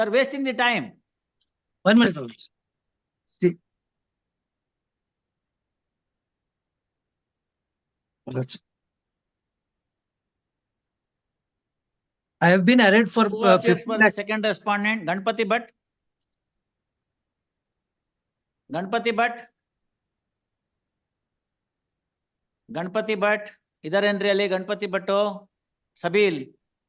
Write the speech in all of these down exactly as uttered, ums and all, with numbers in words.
You are wasting the time. One minute, my lords. See. Lords. I have been arraigned for Who uh, appears fifteen for the lakh. second respondent? Ganpati Bhatt. Ganpati Bhatt. Ganpati Bhatt. Idhar entry ali Ganpati Bhatto. Sabil.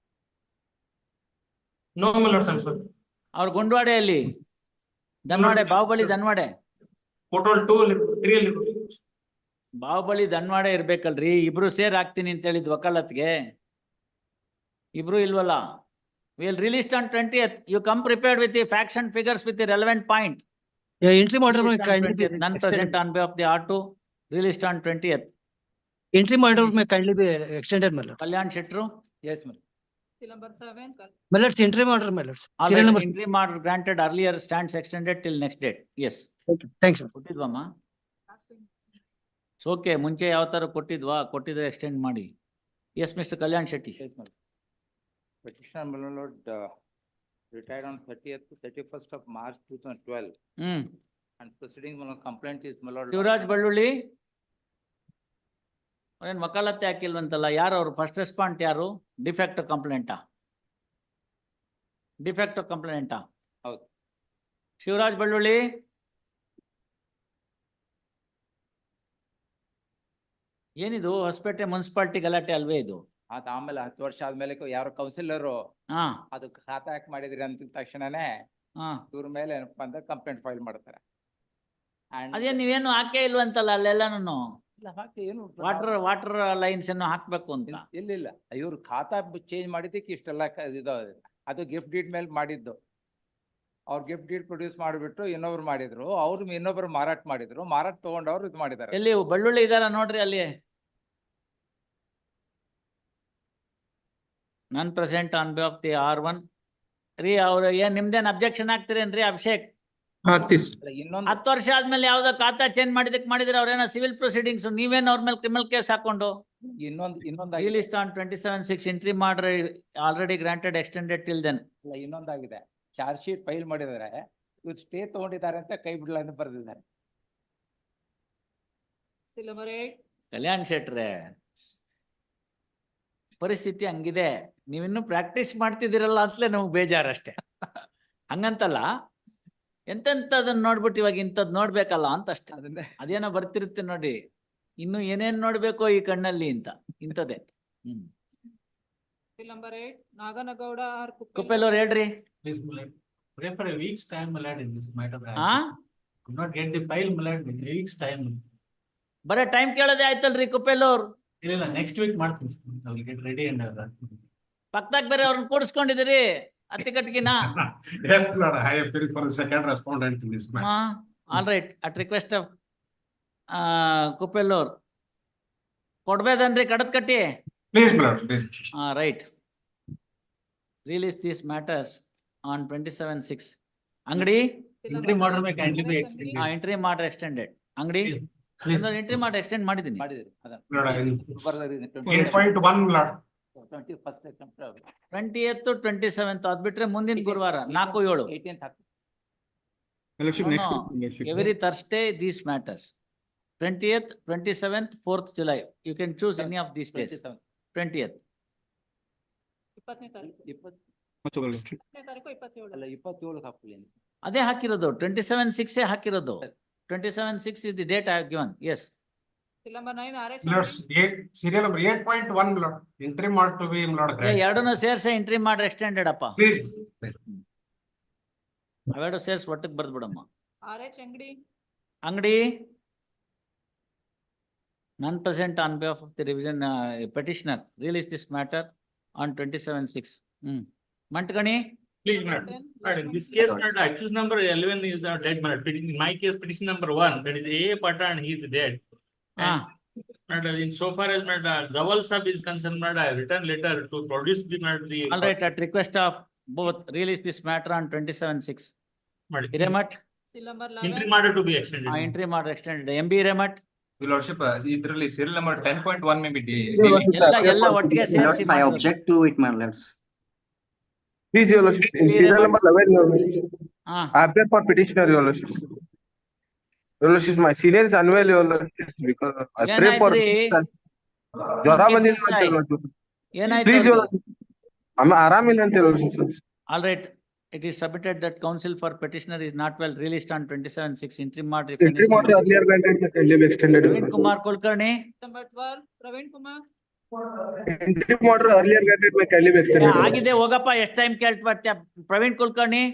No, my lords, I'm sorry. Our Gundwade ali. Danwade, Bahubali Danwade. Total two, three. Bahubali ಧನ್ವಾಡೆ ಇರ್ಬೇಕಲ್ರಿ. ಇಬ್ರು ಸೇರ್ ಹಾಕ್ತೀನಿ ಅಂತ ಹೇಳಿದ್ ವಕಾಲತ್ಗೆ. ಇಬ್ರು ಇಲ್ವಲ್ಲ. Will release on twentieth. You come prepared with the facts and figures with the relevant point. Yeah, interim order may kindly be None extended. present on behalf of the R two. Released on twentieth. Interim order may kindly be extended, my lords. Kalyan Shetru. Yes, ma'am. Number seven. My lords, interim order, my lords. All Serial right, number. interim order granted earlier stands extended till next date. Yes. Okay, thanks, sir. ಕೊಟ್ಟಿದ್ವಮ್ಮ? Okay, ಮುಂಚೆ ಯಾವ ತರ ಕೊಟ್ಟಿದ್ವಾ? ಕೊಟ್ಟಿದ್ರೆ extend ಮಾಡಿ. Yes mister Kalyan Shetty. Yes, ma'am. Petitioner, my lord, uh, retired on thirtieth to thirty-first of March two thousand twelve. ಹ್ಮ್. And proceeding, my lord, complaint is, my lord. Shivaraj Ballulli ಅವ್ರೇನ್ ವಕಾಲತ್ತೆ ಹಾಕಿಲ್ವಂತಲ್ಲ? ಯಾರು ಅವ್ರು? ಫಸ್ಟ್ ರೆಸ್ಪಾಂಡ್ ಯಾರು? ಡಿಫೆಕ್ಟ್ ಕಂಪ್ಲೇಂಟಾ? ಡಿಫೆಕ್ಟ್ ಕಂಪ್ಲೇಂಟಾ? ಹೌದು. ಶಿವರಾಜ್ ಬಳ್ಳುಳ್ಳಿ. ಏನಿದು ಹೊಸಪೇಟೆ ಮುನ್ಸಿಪಾಲಿಟಿ ಗಲಾಟೆ ಅಲ್ವೇ ಇದು? ಆತ ಆಮೇಲೆ ಹತ್ತು ವರ್ಷ ಆದ್ಮೇಲೆ ಯಾರು ಕೌನ್ಸಿಲರ್ ಹಾ ಅದು ಖಾತಾ ಹಾಕಿ ಮಾಡಿದ್ರಿ ಅಂತ ತಕ್ಷಣನೇ ಹಾ ಇವ್ರ ಮೇಲೆ ಏನಪ್ಪಾ ಅಂದ್ರೆ ಕಂಪ್ಲೇಂಟ್ ಫೈಲ್ ಮಾಡ್ತಾರೆ. And- ಅದೇ ನೀವೇನು ಹಾಕೇ ಇಲ್ವಂತಲ್ಲ ಅಲ್ಲೆಲ್ಲಾನು? ಇಲ್ಲ, ಹಾಕಿ ಏನು ವಾಟರ್ ವಾಟರ್ ಲೈನ್ಸ್ ಅನ್ನು ಹಾಕ್ಬೇಕು ಅಂತ. ಇಲ್ಲ ಇಲ್ಲ ಇಲ್ಲ ಇವ್ರು ಖಾತಾ ಚೇಂಜ್ ಮಾಡಿದ್ದಕ್ಕೆ ಇಷ್ಟೆಲ್ಲ ಕ- ಇದು ಅದು ಗಿಫ್ಟ್ ಡೀಡ್ ಮೇಲೆ ಮಾಡಿದ್ದು. ಅವ್ರು ಗಿಫ್ಟ್ ಡೀಡ್ ಪ್ರೊಡ್ಯೂಸ್ ಮಾಡಿಬಿಟ್ಟು ಇನ್ನೊಬ್ರು ಮಾಡಿದ್ರು, ಅವ್ರು ಇನ್ನೊಬ್ರು ಮಾರಾಟ ಮಾಡಿದ್ರು, ಮಾರಾಟ ತಗೊಂಡವ್ರು ಇದು ಮಾಡಿದ್ದಾರೆ. ಎಲ್ಲಿ ಬಳ್ಳುಳ್ಳಿ ಇದಾರ ನೋಡ್ರಿ ಅಲ್ಲಿ. ನನ್ present on behalf of the R one. ರೀ ಅವ್ರು ಏನ್ ನಿಮ್ದೇನ್ ಅಬ್ಜೆಕ್ಷನ್ ಹಾಕ್ತಿರೇನ್ರಿ ಅಭಿಷೇಕ್? ಅಲ್ಲ, ಇನ್ನೊಂದು ಹತ್ತು ವರ್ಷ ಆದ್ಮೇಲೆ ಯಾವ್ದೋ ಖಾತಾ ಚೇಂಜ್ ಮಾಡಿದಕ್ ಮಾಡಿದ್ರೆ ಅವ್ರೇನೋ ಸಿವಿಲ್ ಪ್ರೊಸೀಡಿಂಗ್ಸ್, ನೀವೇನ್ ಅವ್ರ ಮೇಲೆ ಕ್ರಿಮಿನಲ್ ಕೇಸ್ ಹಾಕೊಂಡು. ಇನ್ನೊಂದು ಇನ್ನೊಂದು released on twenty seven six entry ಮಾಡ್ರಿ already granted extended till then. ಇಲ್ಲ ಇನ್ನೊಂದಾಗಿದೆ, ಚಾರ್ಜ್ ಶೀಟ್ ಫೈಲ್ ಮಾಡಿದ್ದಾರೆ, ಇವ್ರು ಸ್ಟೇ ತಗೊಂಡಿದ್ದಾರೆ ಅಂತ ಕೈ ಬಿಡಲ್ಲ ಅಂತ ಬರೆದಿದ್ದಾರೆ. Seal number eight. ಕಲ್ಯಾಣ್ ಶೆಟ್ರೆ, ಪರಿಸ್ಥಿತಿ ಹಂಗಿದೆ. ನೀವಿನ್ನೂ ಪ್ರಾಕ್ಟೀಸ್ ಮಾಡ್ತಿದ್ದೀರಲ್ಲ ಅಂತಲೇ ನಮ್ಗೆ ಬೇಜಾರಷ್ಟೇ. ಹಂಗಂತಲ್ಲ, ಎಂತೆಂಥದನ್ನ ನೋಡ್ಬಿಟ್ಟು ಇವಾಗ ಇಂಥದ್ದು ನೋಡ್ಬೇಕಲ್ಲ ಅಂತ ಅಷ್ಟೇ. ಅದನ್ನೇ ಅದೇನೋ ಬರ್ತಿರುತ್ತೆ ನೋಡಿ, ಇನ್ನು ಏನೇನ್ ನೋಡ್ಬೇಕೋ ಈ ಕಣ್ಣಲ್ಲಿ ಅಂತ, ಇಂಥದ್ದೇ. ಹ್ಮ್ Seal number eight. Naganagowda or ಕುಪ್ಪೆಲ್ಲವ್ರು ಹೇಳ್ರಿ. Please, my lord. Pray for a week's time, my lord, in this matter. ಹಾ Could not get the file, my lord, in a week's time. ಬರೇ ಟೈಮ್ ಕೇಳೋದೇ ಆಯ್ತಲ್ರಿ ಕುಪ್ಪೆಲ್ಲವ್ರು. ಇಲ್ಲ ಇಲ್ಲ, next week ಮಾಡ್ತೀನಿ. I will get ready and all that. ಪಕ್ಕದಾಗ ಬೇರೆ ಅವ್ರನ್ನ ಕೂಡಿಸ್ಕೊಂಡಿದ್ದೀರಿ ಅತ್ತಿಕಟ್ಟಿಗಿನ. Yes, Lord, I appeal for the second respondent in this matter. All right, at request of ಕುಪ್ಪೆಲ್ಲವ್ರು ಕೊಡ್ಬೇದನ್ರಿ ಕಡದ್ ಕಟ್ಟಿ. Please, my lord, please. ಹಾ right. Release these matters on twenty seven six. Angadi Interim order may kindly be extended. Entry ಮಾಡ್ರೆ extended. Angadi Please. Entry ಮಾಡಿ extend ಮಾಡಿದ್ದೀನಿ. ಮಾಡಿದ್ರು Lord, I- ಅದನ್ನ Eight point one, Lord. Twenty first twenty eighth twenty seventh ಅದ್ಬಿಟ್ರೆ ಮುಂದಿನ ಗುರುವಾರ ನಾಲ್ಕು ಏಳು. Eighteenth every Thursday these matters. Twentieth, twenty seventh, fourth July. You can choose any of these days. Twentieth ಇಪ್ಪತ್ತನೇ ತಾರೀಕು. ಇಪ್ಪತ್ತು ಇಪ್ಪತ್ತನೇ ತಾರೀಕು ಇಪ್ಪತ್ತೇಳು. ಅಲ್ಲ ಇಪ್ಪತ್ತೇಳಕ್ಕೆ ಹಾಕ್ಲಿ. ಅದೇ ಹಾಕಿರೋದು, ಟ್ವೆಂಟಿ ಸೆವೆನ್ ಸಿಕ್ಸ್ ಹಾಕಿರೋದು. Twenty seven six is the date I have given. Yes. Seal number nine. R H. Lords, eight, serial number eight point one, Lord. Interim order to be, Lord. granted. ಎರಡನ್ನೂ ಸೇರ್ಸೆ entry ಮಾಡ್ರೆ extended ಅಪ್ಪ. Please. ಅವೆರಡು ಸೇರ್ಸ್ ಒಟ್ಟಿಗೆ ಬರ್ದ್ ಬಿಡಮ್ಮ. R H Angadi. Angadi ನನ್ present on behalf of the revision petitioner release this matter on twenty seven six. Hmm Mantagani. Please, madam. ten. Madam, in this case, madam, accused number eleven is our dead, madam. In my case, petition number one, that is A Patan, he is dead. ಹಾ Madam, in so far as madam, Dawal sub is concerned, madam, I written letter to produce the madam, the. All right, at request of both release this matter on twenty seven six. Madam, Hiremath Seal number Interim eleven. order to be extended. ಆ entry ಮಾಡ್ರೆ extended. M B Hiremath Your lordship, uh, ಇದರಲ್ಲಿ serial number ten point one may be de- ಎಲ್ಲ ಎಲ್ಲ ಒಟ್ಟಿಗೆ ಸೇರಿಸಿ. I object to it, my lords. Please, your lordship, in Clear serial about- number eleven, your lordship. Ah, I appear for petitioner, your lordship. Your lordship, my senior is unwell, your lordship, because I pray for. ಏನಾಯ್ತ್ರಿ? ಜ್ವರ Keep ಬಂದಿಲ್ಲ this ಅಂತ eye. your lordship. ಏನಾಯ್ತು Please, your ಅವ್ರಿಗೆ? lordship. ಅಮ್ಮ ಆರಾಮಿಲ್ಲ ಅಂತ your lordship. All right, it is submitted that counsel for petitioner is not well released on twenty-seven six interim order. Entry order earlier granted, may kindly be extended. your Praveen lordship. Kumar Kulkarni, Number twelve, Praveen Kumar. Entry order earlier granted, may kindly be extended. your lordship. ಆಗಿದೆ ಹೋಗಪ್ಪ, ಎಷ್ಟ್ time ಕೇಳ್ತ ಬರ್ತೀಯ? Praveen Kulkarni,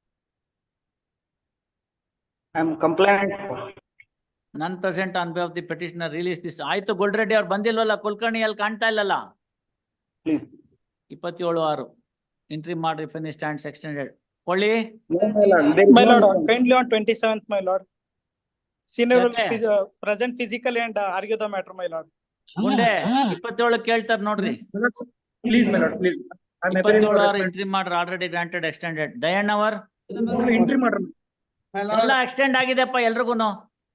I am compliant. ನನ್ present on behalf the petitioner release this. ಆಯ್ತು, ಗೋಲ್ರೆಡ್ಡಿ ಅವ್ರು ಬಂದಿಲ್ವಲ್ಲ, ಕುಲಕರ್ಣಿ ಅಲ್ಲಿ ಕಾಣ್ತಾ ಇಲ್ಲಲ್ಲ? Please. ಇಪ್ಪತ್ತೇಳು ಆರು interim order if any stands extended. ಕೊಳ್ಳಿ My lord, kindly on twenty-seventh, my lord. Senior will Yes, phys- uh, present physically and uh, argue the matter, my lord. Gunde ಇಪ್ಪತ್ತೇಳು ಕೇಳ್ತಾರ ನೋಡ್ರಿ. Please, my lord, please. I'm appearing ಇಪ್ಪತ್ತೇಳು for ಆರು respect. Interim order already granted extended. Dayanna ಅವರ್ Number Sir, entry matter. My ಎಲ್ಲ lord, extend ಆಗಿದೆಪ್ಪ ಎಲ್ರಿಗೂನು.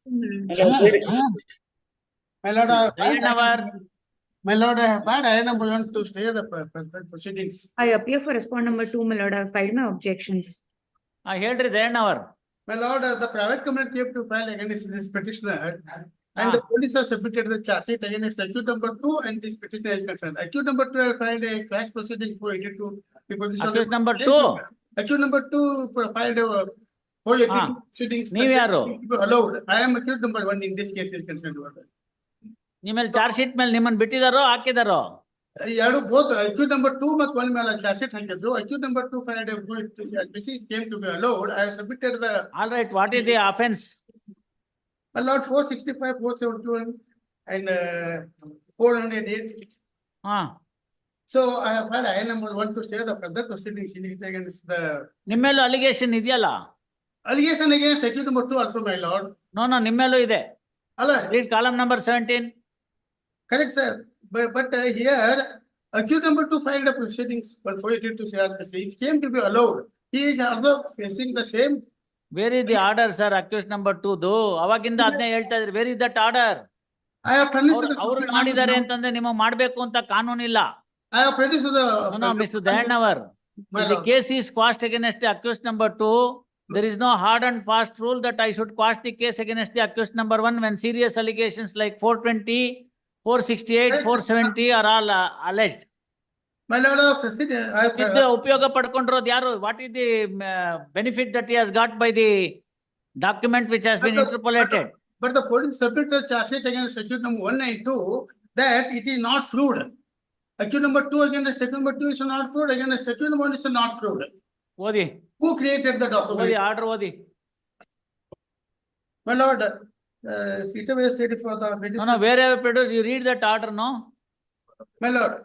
my lord, I have Dayanna ಅವರ್ my lord, I have had, I am going to stay the pro- pro- proceedings. I appear for respond number two, my lord. I have filed my objections. ಹಾ ಹೇಳ್ರಿ ದಯಣ್ಣ ಅವರ್. My lord, uh, the private company came to file against this petitioner. And the Ah. police have submitted the charge sheet against accused number two and this petitioner is concerned. Accused number two have filed a cash proceeding for eighty-two. the position of- Accused number two? Accused number two filed a for eighty-two Ah. proceedings. ನೀವ್ ಯಾರು? Allowed. I am accused number one in this case is concerned. ನಿಮ್ಮಲ್ಲಿ charge sheet ಮೇಲೆ ನಿಮ್ಮನ್ನ ಬಿಟ್ಟಿದಾರೋ ಹಾಕಿದಾರೋ? ಎರಡು both accused number two ಮತ್ತು one ಮೇಲೆ charge sheet ಹಾಕಿದ್ರು. accused number two filed a this is came to be allowed. I have submitted the all right, what is the offence? my lord four sixty-five, four seventy-one and uh, four hundred eight. ಹಾ, So I have had I number one to stay the further proceedings in it against the ನಿಮ್ಮೇಲೂ allegation ಇದೆಯಲ್ಲ? allegation against accused number two also, my lord. No no ನಿಮ್ಮೇಲೂ ಇದೆ. Allah, read column number seventeen. correct sir, but but uh, here accused number two filed a proceedings but for it to C R P C, it came to be allowed. He is also facing the same. Where is the order sir? Accused number two ದು ಅವಾಗಿಂದ ಅದನ್ನೇ ಹೇಳ್ತಾ ಇದ್ರಿ. Where is that order? I have furnished. the- ಅವ್ರು ಮಾಡಿದ್ದಾರೆ ಅಂತಂದ್ರೆ ನಿಮಗೆ ಮಾಡ್ಬೇಕು ಅಂತ ಕಾನೂನಿಲ್ಲ. I have furnished the. No mister Dayanna ಅವರ್, My the lord. case is quashed against the accused number two. There is no hard and fast rule that I should quash the case against the accused number one when serious allegations like four twenty, four sixty-eight, four seventy are all uh, alleged. My lord, I have proceeded, I have. ಇದು ಉಪಯೋಗ ಪಡ್ಕೊಂಡಿರೋದು ಯಾರು? What is the benefit that he has got by the document which has been But the- interpolated? But the police submitted charge sheet against accused number one and two that it is not fraud. Accused number two against accused number two is not fraud, against accused number one is not fraud. ಓದಿ Who created the ಓದಿ document? Order ಓದಿ. My lord, uh, it was stated for the. No, no, wherever produced, you read that order, no? My lord.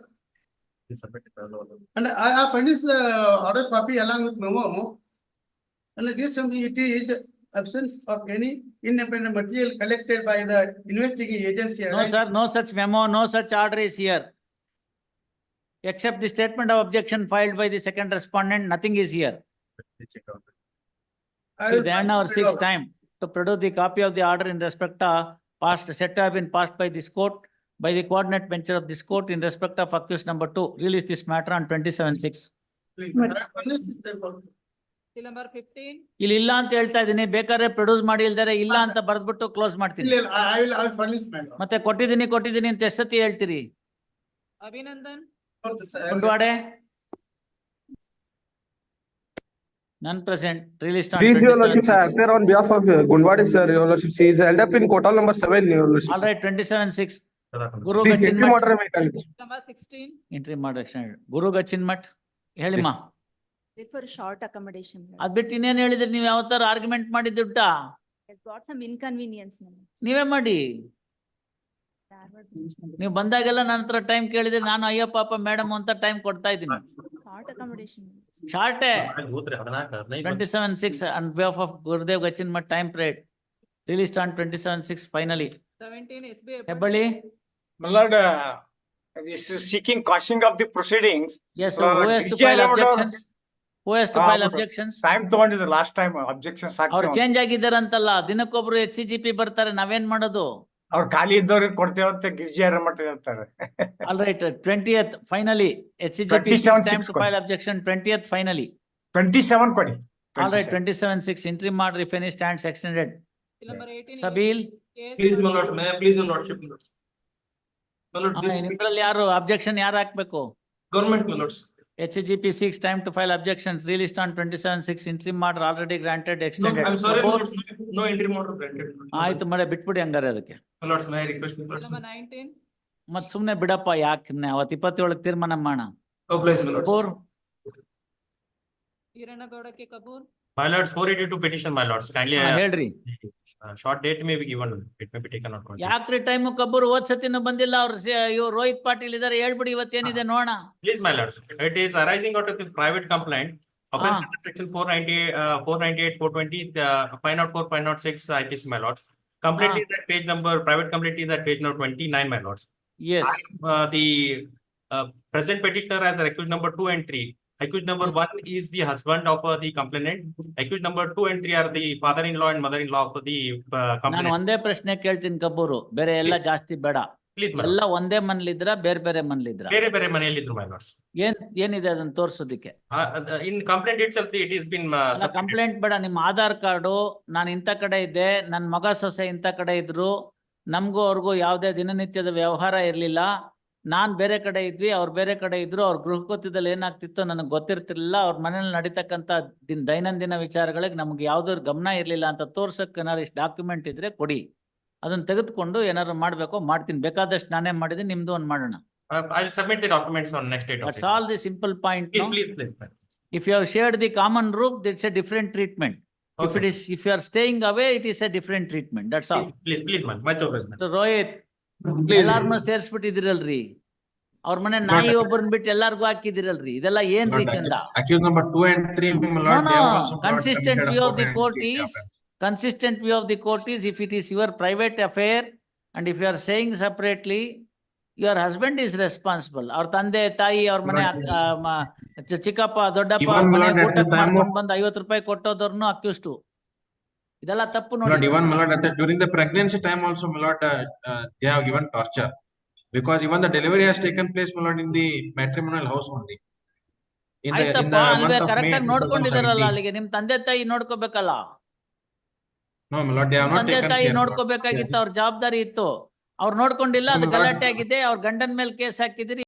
And I have furnished the order copy along with memo. And this it is absence of any independent material collected by the investigating agency. No, sir, no such memo, no such order is here. Except the statement of objection filed by the second respondent, nothing is here. I will- The end our sixth time to produce the copy of the order in respect of past set have been passed by this court by the coordinate bench of this court in respect of accused number two. Release this matter on twenty-seven six. Please, I have furnished the copy. Till number fifteen, ಇಲ್ಲಿ ಇಲ್ಲ ಅಂತ ಹೇಳ್ತಾ ಇದೀನಿ, ಬೇಕಾದ್ರೆ produce ಮಾಡಿ ಇಲ್ದಾರೆ ಇಲ್ಲ ಅಂತ ಬರ್ದ್ಬಿಟ್ಟು close ಮಾಡ್ತೀನಿ. ಇಲ್ಲ, ಇಲ್ಲ, I will, I will furnish my lord. ಮತ್ತೆ ಕೊಟ್ಟಿದ್ದೀನಿ ಕೊಟ್ಟಿದ್ದೀನಿ ಅಂತ ಎಷ್ಟ್ ಸತಿ ಹೇಳ್ತೀರಿ? Abhinandan, ಕುಂಡ್ವಾಡೆ ನನ್ present release Please, your lordship, I appear on behalf of uh, Gundwadi, sir, your lordship, she is held up in court hall number seven, your lordship. All right twenty seven six Guru Please, Gachchin entry Math order, may kindly. number sixteen, entry ಮಾಡಿ ಗುರು ಗಚ್ಚಿನ್ ಮಠ್ ಹೇಳಿಮ್ಮ. For short accommodation. ಅದ್ ಬಿಟ್ಟು ಇನ್ನೇನ್ ಹೇಳಿದ್ರಿ ನೀವ್ ಯಾವ ತರ argument ಮಾಡಿದ್ದುಟ್ಟ? Has got some inconvenience. ನೀವೇ ಮಾಡಿ. ನೀವು ಬಂದಾಗೆಲ್ಲ ನನ್ನ ಹತ್ರ ಟೈಮ್ ಕೇಳಿದ್ರೆ ನಾನು ಅಯ್ಯೋ ಪಾಪ ಮೇಡಮ್ ಅಂತ ಟೈಮ್ ಕೊಡ್ತಾ ಇದ್ದೀನಿ. Short accommodation. ಶಾರ್ಟೇ twenty seven six and behalf of Gurudev Gachchin Math time prayed released on twenty seven six finally. seventeen S B I. Hebballi My lord, uh, this is seeking quashing of the proceedings. yes, Uh, who has to D C file allowed our- objections? Who has to Ah, file but- objections? Time ತಗೊಂಡಿದ್ರು last time objections ಅವ್ರು ಆಗ್ತಾವ. Change ಆಗಿದ್ದಾರಂತಲ್ಲ, ದಿನಕ್ಕೊಬ್ರು H C G P ಬರ್ತಾರೆ, ನಾವೇನ್ ಮಾಡೋದು? ಅವ್ರು ಖಾಲಿ ಇದ್ದವ್ರಿಗೆ ಕೊಡ್ತೇವೆ ಅಂತ ಗಿರಿಜಾರ ಮಠ ಹೇಳ್ತಾರೆ. All right, twentieth, finally, H C G P twenty-seven time six to file objection, twentieth, finally. Twenty seven ಕೊಡಿ. All right, twenty-seven. twenty-seven six, interim order if any stands extended. Bill number eighteen. Sabil, Case Please, my number- lords, may I please, your lordship, my lords. My lord, this ನಿಮ್ದ್ರಲ್ಲಿ ಯಾರು objection ಯಾರು ಹಾಕ್ಬೇಕು? government, my lords. H C G P six time to file objections, released on twenty-seven six, interim order already granted, No, extended. I'm sorry, my Support- lords, no- no interim order granted. ಆಯ್ತು ಮರೆ ಬಿಟ್ಬಿಡಿ ಹಂಗಾರೆ ಅದಕ್ಕೆ. My lords, may I request, my Bill lords? number nineteen. ಮತ್ ಸುಮ್ನೆ ಬಿಡಪ್ಪ ಯಾಕೆ ಅವತ್ ಇಪ್ಪತ್ತೇಳಕ್ ತೀರ್ಮಾನ ಮಾಡೋಣ. Oblige, my lords. Four, Hiranagowda K. Kapoor. My lords, four eighty-two petition, my lords, kindly, ಹಾ, uh, ಹೇಳ್ರಿ. uh, short date may be given, it may be taken out. ಯಾಕ್ರಿ ಟೈಮು ಕಬ್ಬೂರ್ ಹೋದ್ ಸತಿನೂ ಬಂದಿಲ್ಲ ಅವ್ರು ಇವ್ರು ರೋಹಿತ್ ಪಾಟೀಲ್ ಇದಾರೆ ಹೇಳ್ಬಿಡಿ ಇವತ್ತೇನಿದೆ ನೋಡೋಣ. Please, my lords, it is arising out of the private complaint. Offense Ah. under section four ninety, uh, four ninety-eight, four twenty, uh, five oh four, five oh six, I P C, my lords. Complaint Ah. is at page number, private complaint is at page number twenty-nine, my lords. Yes, Uh, the, uh, present petitioner has accused number two and three. Accused number one is the husband of uh, the complainant. Accused number two and three are the father-in-law and mother-in-law of the uh, ನಾನು complainant. ಒಂದೇ ಪ್ರಶ್ನೆ ಕೇಳ್ತೀನಿ ಕಬ್ಬೂರು, ಬೇರೆ ಎಲ್ಲ ಜಾಸ್ತಿ ಬೇಡ. Please, my ಎಲ್ಲ lords. ಒಂದೇ ಮನ್ಲಿದ್ರ ಬೇರೆ ಬೇರೆ ಮನ್ಲಿದ್ರ ಬೇರೆ ಬೇರೆ ಮನೆಯಲ್ಲಿದ್ರು, my lords. ಏನ್ ಏನಿದೆ ಅದನ್ನ ತೋರ್ಸೋದಿಕ್ಕೆ? Uh, uh, in complaint itself, it has been, uh, submitted. Complaint ಬೇಡ, ನಿಮ್ಮ ಆಧಾರ್ ಕಾರ್ಡು ನಾನು ಇಂಥ ಕಡೆ ಇದ್ದೆ, ನನ್ನ ಮಗ ಸೊಸೆ ಇಂಥ ಕಡೆ ಇದ್ರು, ನಮಗೂ ಅವ್ರಿಗೂ ಯಾವುದೇ ದಿನನಿತ್ಯದ ವ್ಯವಹಾರ ಇರ್ಲಿಲ್ಲ, ನಾನ್ ಬೇರೆ ಕಡೆ ಇದ್ವಿ, ಅವ್ರು ಬೇರೆ ಕಡೆ ಇದ್ರು, ಅವ್ರ ಗೃಹಕೃತ್ಯದಲ್ಲಿ ಏನಾಗ್ತಿತ್ತೋ ನನಗೆ ಗೊತ್ತಿರ್ತಿರ್ಲಿಲ್ಲ, ಅವ್ರ ಮನೇಲಿ ನಡೀತಕ್ಕಂಥ ದಿನ ದೈನಂದಿನ ವಿಚಾರಗಳಿಗೆ ನಮ್ಗೆ ಯಾವ್ದಾದ್ರು ಗಮನ ಇರ್ಲಿಲ್ಲ ಅಂತ ತೋರ್ಸಕ್ ಏನಾರು ಇಷ್ಟು ಡಾಕ್ಯುಮೆಂಟ್ ಇದ್ರೆ ಕೊಡಿ, ಅದನ್ನ ತೆಗೆದುಕೊಂಡು ಏನಾದ್ರು ಮಾಡ್ಬೇಕೋ ಮಾಡ್ತೀನಿ, ಬೇಕಾದಷ್ಟು ನಾನೇ ಮಾಡಿದೀನಿ, ನಿಮ್ದು ಒಂದ್ ಮಾಡೋಣ. Uh, I'll submit the documents on next date. of that's it. All the simple point. Please, please, please. ma'am. If you have shared the common roof, it's a different treatment. If it Okay. is, if you are staying away, it is a different treatment. That's all. Please, please, please, man, much obliged, man. Rohit, ಎಲ್ಲಾರ್ನು ಸೇರ್ಸ್ಬಿಟ್ಟಿದಿರಲ್ರಿ, ಅವ್ರ ಮನೆ ನಾಯಿ ಒಬ್ಬರನ್ನ ಬಿಟ್ಟು ಎಲ್ಲಾರ್ಗು ಹಾಕಿದಿರಲ್ರಿ, ಇದೆಲ್ಲ ಏನ್ರಿ ಚಂದ? Accused number two and three, my No, lord, they have no, also brought consistent committed view a of the four court ninety-eight is, offense. consistent view of the court is, if it is your private affair and if you are saying separately, your husband is responsible. ಅವ್ರ ತಂದೆ ತಾಯಿ ಅವ್ರ ಮನೆ ಅಕ್ಕ- ಆ, ಮ- ಚ- ಚಿಕ್ಕಪ್ಪ ದೊಡ್ಡಪ್ಪ Even ಅವ್ರ my ಮನೆ lord, at the ಊಟಕ್ಕೆ time of- ಮಾಡ್ಕೊಂಡ್ ಬಂದು ಐವತ್ತು ರೂಪಾಯಿ ಕೊಟ್ಟೋದವ್ರನ್ನು ಅಕ್ಯೂಸ್ಟು. ಇದೆಲ್ಲ ತಪ್ಪು My lord, ನೋಡಿ. even my lord, at the, during the pregnancy time also, my lord, uh, uh, they have given torture. Because even the delivery has taken place, my lord, in the matrimonial house only. In the, in ಆಯ್ತಪ್ಪ, the ಅಲ್ವೇ month of correct May ಆಗಿ two thousand ನೋಡ್ಕೊಂಡಿದಾರಲ್ಲ, seventeen. ಅಲ್ಲಿಗೆ ನಿಮ್ ತಂದೆ ತಾಯಿ ನೋಡ್ಕೋಬೇಕಲ್ಲ, No, my lord, they have not ತಂದೆ taken ತಾಯಿ care. my lord. ನೋಡ್ಕೋಬೇಕಾಗಿತ್ತು, ಅವ್ರ ಜವಾಬ್ದಾರಿ ಇತ್ತು, ಅವ್ರು ನೋಡ್ಕೊಂಡಿಲ್ಲ, ಅದು No, my lord. ಗಲಾಟೆ ಆಗಿದೆ, ಅವ್ರ ಗಂಡನ ಮೇಲೆ ಕೇಸ್ ಹಾಕಿದಿರಿ.